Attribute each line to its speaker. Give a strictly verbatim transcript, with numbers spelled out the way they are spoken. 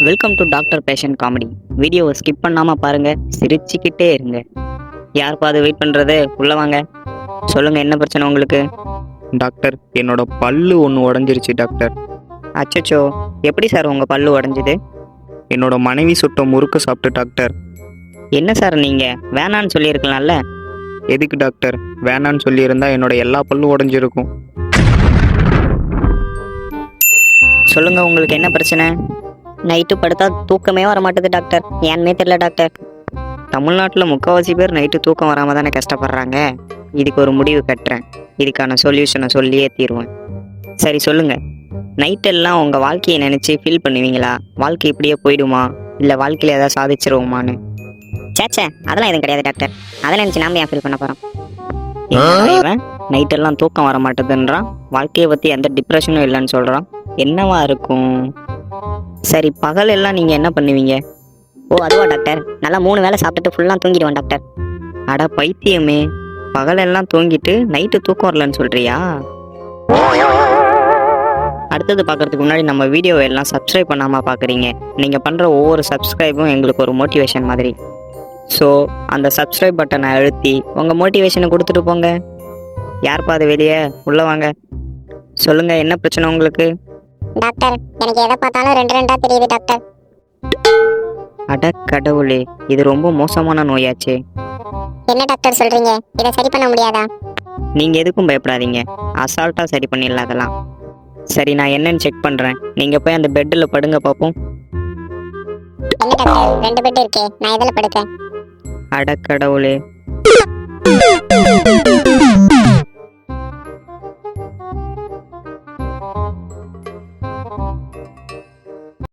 Speaker 1: Welcome to doctor patient comedy. வீடியோவை skip பண்ணாமல் பாருங்கள், சிரிச்சுக்கிட்டே இருங்க. யாருப்பா அது வெயிட் பண்ணுறது? உள்ளே வாங்க, சொல்லுங்கள் என்ன பிரச்சனை உங்களுக்கு?
Speaker 2: டாக்டர், என்னோட பல்லு ஒன்று உடஞ்சிருச்சு டாக்டர்.
Speaker 1: அச்சச்சோ, எப்படி சார் உங்கள் பல்லு உடஞ்சிது?
Speaker 2: என்னோட மனைவி சுட்ட முறுக்கு சாப்பிட்டு டாக்டர்.
Speaker 1: என்ன சார் நீங்கள் வேணான்னு சொல்லியிருக்கலாம்ல?
Speaker 2: எதுக்கு டாக்டர்? வேணான்னு சொல்லியிருந்தா என்னோட எல்லா பல்லும் உடஞ்சிருக்கும்.
Speaker 1: சொல்லுங்கள், உங்களுக்கு என்ன பிரச்சனை? நைட்டு படுத்தா தூக்கமே வர மாட்டேது டாக்டர், ஏன்னே தெரியல டாக்டர். தமிழ்நாட்டில் முக்கால்வாசி பேர் நைட்டு தூக்கம் வராமல் தானே கஷ்டப்படுறாங்க. இதுக்கு ஒரு முடிவு கட்டுறேன், இதுக்கான சொல்யூஷனை சொல்லியே தீருவேன். சரி சொல்லுங்கள், நைட்டெல்லாம் உங்கள் வாழ்க்கையை நினச்சி ஃபீல் பண்ணுவீங்களா? வாழ்க்கை இப்படியே போயிடுமா, இல்லை வாழ்க்கையில் ஏதாவது சாதிச்சிருவோமான்னு? சேச்சே, அதெல்லாம் எதுவும் கிடையாது டாக்டர். அதை நினச்சி நாம ஏன் ஃபீல் பண்ண போகிறோம்? இவன் நைட்டெல்லாம் தூக்கம் வர மாட்டேதுன்றான், வாழ்க்கையை பற்றி எந்த டிப்ரெஷனும் இல்லைன்னு சொல்கிறான். என்னவா இருக்கும்? சரி, பகல் எல்லாம் நீங்கள் என்ன பண்ணுவீங்க? ஓ அதுவா டாக்டர், நல்லா மூணு வேளை சாப்பிட்டுட்டு ஃபுல்லாக தூங்கிடுவேன் டாக்டர். அட பைத்தியமே, பகலெல்லாம் தூங்கிட்டு நைட்டு தூக்கம் வரலன்னு சொல்கிறியா? அடுத்தது பார்க்குறதுக்கு முன்னாடி நம்ம வீடியோவை எல்லாம் சப்ஸ்கிரைப் பண்ணாமல் பார்க்குறீங்க. நீங்கள் பண்ணுற ஒவ்வொரு சப்ஸ்கிரைபும் எங்களுக்கு ஒரு மோட்டிவேஷன் மாதிரி. ஸோ அந்த சப்ஸ்கிரைப் பட்டனை அழுத்தி உங்கள் மோட்டிவேஷனை கொடுத்துட்டு போங்க. யார்ப்பா அது வெளியே? உள்ளே வாங்க, சொல்லுங்கள் என்ன பிரச்சனை உங்களுக்கு?
Speaker 3: டாக்டர், எனக்கு எதை பார்த்தாலும் ரெண்டு ரெண்டா தெரியுது டாக்டர்.
Speaker 1: அட கடவுளே, இது ரொம்ப மோசமான நோயாச்சே.
Speaker 3: என்ன டாக்டர் சொல்றீங்க? இதை சரி பண்ண முடியாதா?
Speaker 1: நீங்கள் எதுக்கும் பயப்படாதீங்க, அசால்ட்டாக சரி பண்ணிடலாம் அதெல்லாம். சரி, நான் என்னன்னு செக் பண்ணுறேன், நீங்கள் போய் அந்த பெட்டில் படுங்க பார்ப்போம்.
Speaker 3: என்ன டாக்டர், ரெண்டு பெட் இருக்கே, நான் எதில் படுக்க?
Speaker 1: அட கடவுளே.